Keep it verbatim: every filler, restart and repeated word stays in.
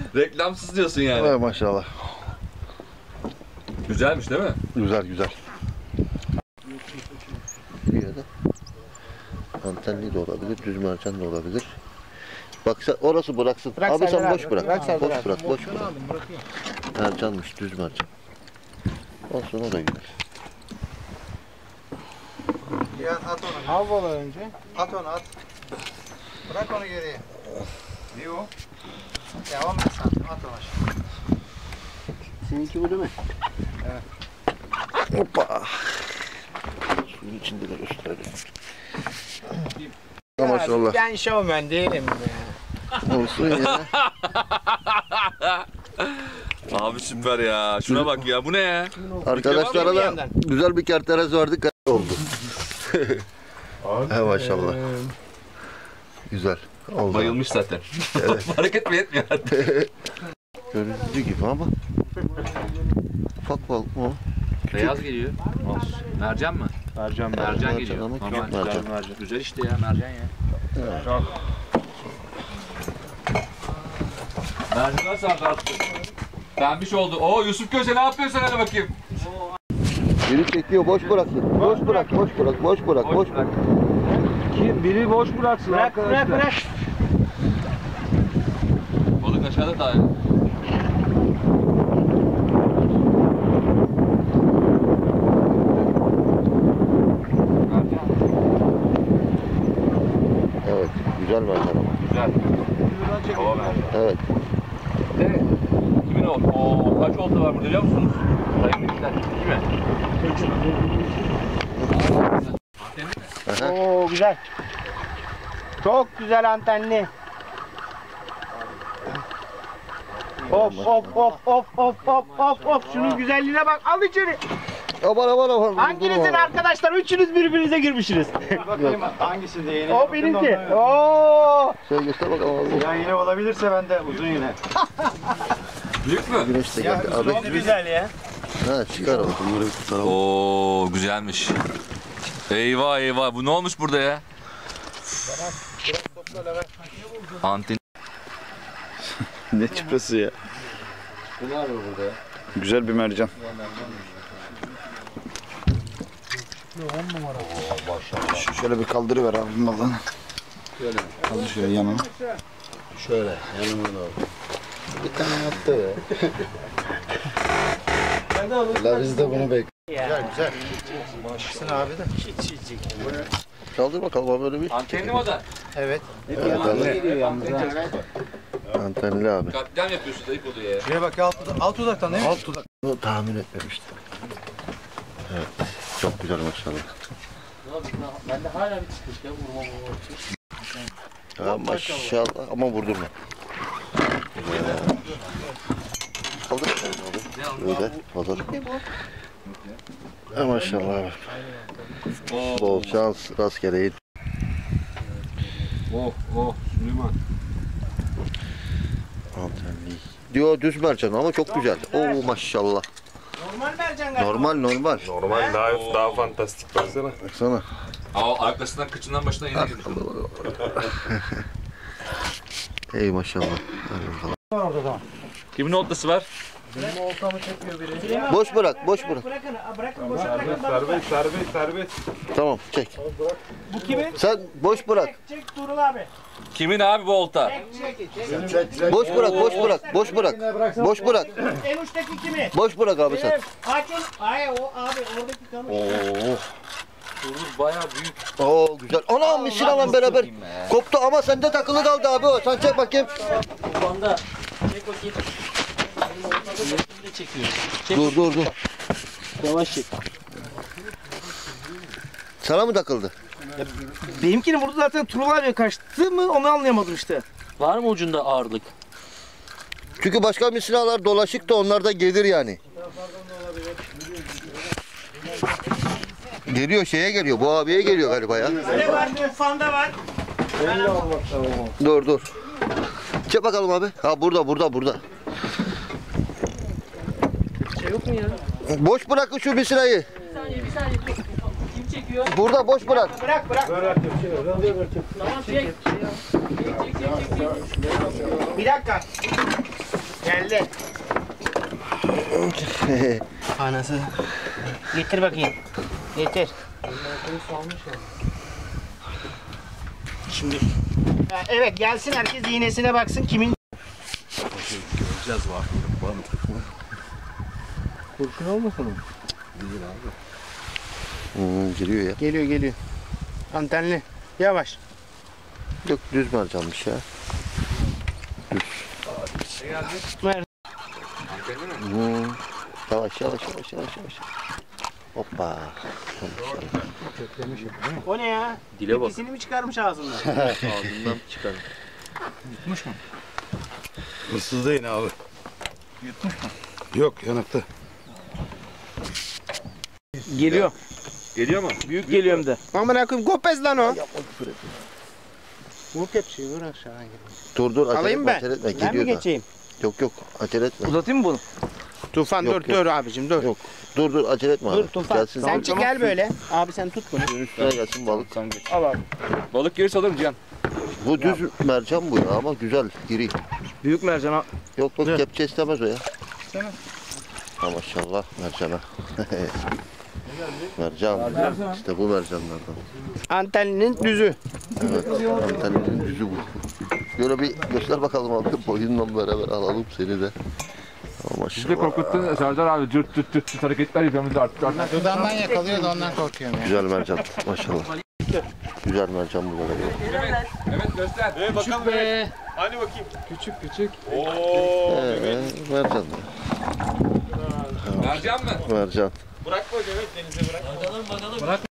Reklamsız diyorsun yani. Evet maşallah. Güzelmiş değil mi? Güzel güzel. Antenli de olabilir, düz mercan da olabilir. Bak sen orası bıraksın. Bırak abi sen abi, boş bırak. bırak, boş bırak. bırak, boş bırak. Mercanmış, düz mercan. Olsun o da güzel. Ya at onu. Al balı önce. At onu at. Bırak onu geriye. Ne o? Ya on beş santim at onu aşağı. Seninki bu değil mi? Evet. Hoppa. Suyun içinde de gösterelim. Maşallah. Ben şovmen değilim ya. Olsun ya. Abi süper ya. Şuna bak ya. Bu ne ya? Arkadaşlara da yandan. güzel bir kerteres verdik. Oldu. He maşallah. Güzel. Oldu. Bayılmış zaten. Evet. Hareket mi etmiyor hatta? Göründüğü gibi ama. Ufak balık mı o? Beyaz geliyor. Olsun. Mercan mı? Mercan Mercan, Mercan geliyor. ama Normal. küçük mercan. Mercan. Güzel işte ya mercan ya. Evet. Çok. Mercanlar sardı artık. Pembiş oldu. Oo Yusuf Köse ne yapıyorsun hadi bakayım. Biri çekiyor, boş bıraksın. Boş bırak, boş bırak, boş bırak, boş bırak. Kim biri boş bıraksın Bırak arkadaşlar. bırak bırak. Balık aşağıda daha ya. Evet, güzel mercan ama. Güzel. Hava mercan. Evet. Ne? Kimin o? Oo kaç olta var burada biliyor musunuz? Sayın Bilgiler. İki mi? Aha. Oo güzel. Çok güzel antenli. Of of of of of of of of şunun güzelliğine bak, al içeri. Aman aman aman. Hanginizin arkadaşlar? Üçünüz birbirinize girmişsiniz. Bakayım hangisi de yeni. O benimki. Oo. Şöyle göster bakalım abi. Ya yine olabilirse ben de uzun yine. Büyük mü? Güneş de geldi abi. Çok güzel ya. Ha çıkar abi. Bunları bir tutalım. Oo güzelmiş. Eyvah eyvah bu ne olmuş burada ya? Anten. Ne çıpası ya. Bu ne var burada ya? Güzel bir mercan. Şu şöyle bir kaldırıver abi balığını. Şöyle. Kaldır şöyle yanına. Şöyle yanıma da abi. Bir tane attı be. La biz de bunu bekliyoruz. Güzel güzel. Maşallah abi de. Kaldır bakalım abi böyle bir. Antenli mi o da? Evet. Evet, abi. Antenli abi. Katliam yapıyorsun dayık oldu ya. Şuraya bak alt, alt uzaktan değil mi? Alt uzak. Bunu tahmin etmemiştim. Evet. Çok güzel maşallah. Ben de hala bir çıkış ya vurma vurma. Ha, maşallah ama vurdurma. Güzel. Kaldır bakalım abi. Böyle olur. Ha, maşallah abi. Bol şans rastgele in. Oh oh Süleyman. Antenli. Diyor düz mercan ama çok güzel. Oo maşallah. Normal mercan galiba. Normal normal. Normal daha daha fantastik baksana. Baksana. Aa arkasından kıçından başına yine girmiş. Ey maşallah. Hadi bakalım. Kimin oltası var? Benim oltamı çekiyor biri. Boş bırak, boş bırak. Bırakın, bırakın, boşa bırakın. Serbest serbest serbest. Tamam, çek. Bu kimin? Sen boş bırak. Çek, çek Tuğrul abi. Kimin abi bu olta? Çek, çek, çek. Boş bırak, boş bırak, boş bırak. Boş bırak. En uçtaki kimi? Boş bırak abi sen. Benim. Hakim. Hayır o abi oradaki kamış. Oo. Turuz bayağı büyük. Oo güzel. Anam misinalan beraber koptu ama sende takılı kaldı abi o. Sen çek bakayım. Banda. Çek bakayım. Benim ortada da çekiyor. Çek. Dur dur dur. Yavaş çek. Sana mı takıldı? Benimkini vurdu zaten Tuğrul abi kaçtı mı onu anlayamadım işte. Var mı ucunda ağırlık? Çünkü başka misinalar dolaşık da onlar da gelir yani. Geliyor şeye geliyor. Bu abiye geliyor galiba ya. Ne var? Fanda var. Dur dur. Çek bakalım abi. Ha burada burada burada. Şey yok mu ya? Boş bırakın şu misinayı. Bir saniye bir saniye. Kim çekiyor? Burada boş bırak. Bırak bırak. Tamam çek. Çek çek çek çek. çek. Bir dakika. Geldi. Anası. Getir bakayım. Getir. Şimdi. Ha, evet gelsin herkes iğnesine baksın kimin. Göreceğiz var. Var mı? Kurşun olmasın mı? Değil abi. Hmm, giriyor ya. Geliyor geliyor. Antenli. Yavaş. Yok düz mercanmış ya. Ver. Hmm. Yavaş yavaş yavaş yavaş yavaş. Hoppa. O ne ya? Dile bak. İkisini mi çıkarmış ağzından? Ağzından çıkar. Yutmuş mu? Hırsız değil abi. Yutmuş mu? Yok yanıktı. Geliyor. Geliyor mu? Büyük geliyor hem de. Aman koyayım kopez lan o. Vur kepçeyi vur aşağı. Dur dur acele Alayım etme, ben. acele etme. Ben mi Geliyor da. geçeyim? Yok yok acele etme. Uzatayım mı bunu? Tufan Yok, dur yok. dur abicim dur. Yok. Dur dur acele etme Dur abi. Tufan. Gelsin. Sen çık gel böyle. Abi sen tut bunu. Suyun üstüne gelsin balık. Al abi. Balık gerisi alırım Cihan. Bu düz mercan bu ya ama güzel, iri. Büyük mercan al. Yok bak kepçe istemez o ya. İstemez. Ha maşallah mercana. Mercan. İşte bu mercanlardan. Anteninin düzü. Evet. Anteninin düzü bu. Böyle bir göster bakalım abi. Boyunla beraber alalım seni de. Ha, Bizi maşallah. korkuttun Serdar abi. Cırt cırt cırt cırt hareketler yapıyoruz artık. artık. Dudağından yakalıyor da ondan korkuyorum ya. Güzel mercan maşallah. Güzel mercan bu da. Evet göster. Ee, bakalım Be. Hani bakayım. Küçük küçük. Oo. Ee, mercan. Mercan mı? Mercan. Bırakma Mehmet denize bırak. Bakalım bakalım.